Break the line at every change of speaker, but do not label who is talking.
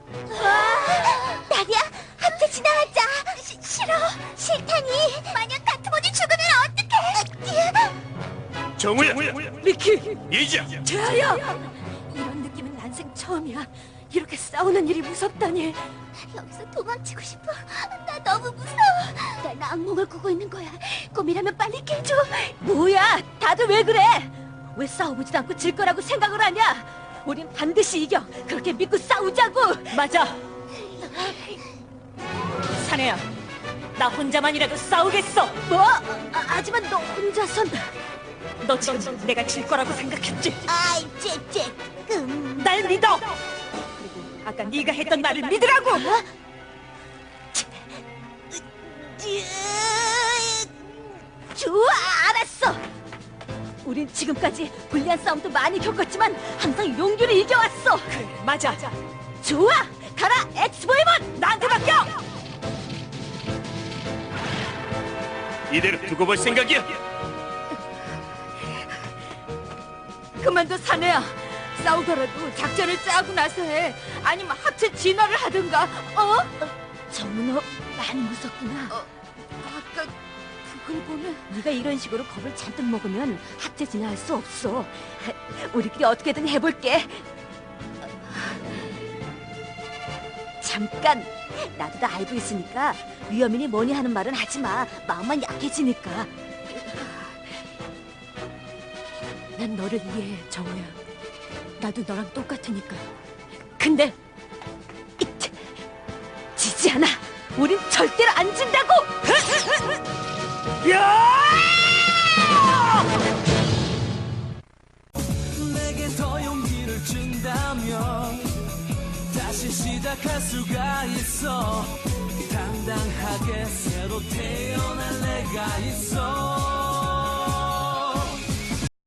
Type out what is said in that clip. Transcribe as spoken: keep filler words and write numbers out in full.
나리야, 함께 지나가자. 시, 싫어. 싫다니. 만약 다트본이 죽으면 어떡해?
정우야,
리키!
이자.
재아야! 이런 느낌은 난생 처음이야. 이렇게 싸우는 일이 무섭다니.
여기서 도망치고 싶어. 나 너무 무서워. 난 악몽을 꾸고 있는 거야. 꿈이라면 빨리 깨줘.
뭐야? 다들 왜 그래? 왜 싸워보지도 않고 질 거라고 생각을 하냐? 우린 반드시 이겨. 그렇게 믿고 싸우자고. 맞아. 사내야, 나 혼자만이라도 싸우겠어. 뭐? 아, 하지만 너 혼자선. 너 지금 내가 질 거라고 생각했지?
아이, 째째끔.
날 믿어. 그리고 아까 네가 했던 말을 믿으라고.
어? 좋아, 알았어.
우린 지금까지 불리한 싸움도 많이 겪었지만 항상 용기를 이겨왔어. 그래, 맞아. 좋아, 가라 엑스보이먼. 나한테 맡겨.
이대로 두고 볼 생각이야?
그만둬 사내야. 싸우더라도 작전을 짜고 나서 해. 아니면 합체 진화를 하든가. 어? 정은호 많이 무섭구나. 어, 아까 그걸 보면 네가 이런 식으로 겁을 잔뜩 먹으면 합체 진화할 수 없어. 우리끼리 어떻게든 해볼게. 잠깐. 나도 다 알고 있으니까 위험이니 뭐니 하는 말은 하지 마. 마음만 약해지니까. 난 너를 이해해, 정우야. 나도 너랑 똑같으니까. 근데 이트, 지지 않아. 우린 절대로 안 진다고.
내게 더 용기를 준다면 다시 시작할 수가 있어. 당당하게 새로 태어날 내가 있어.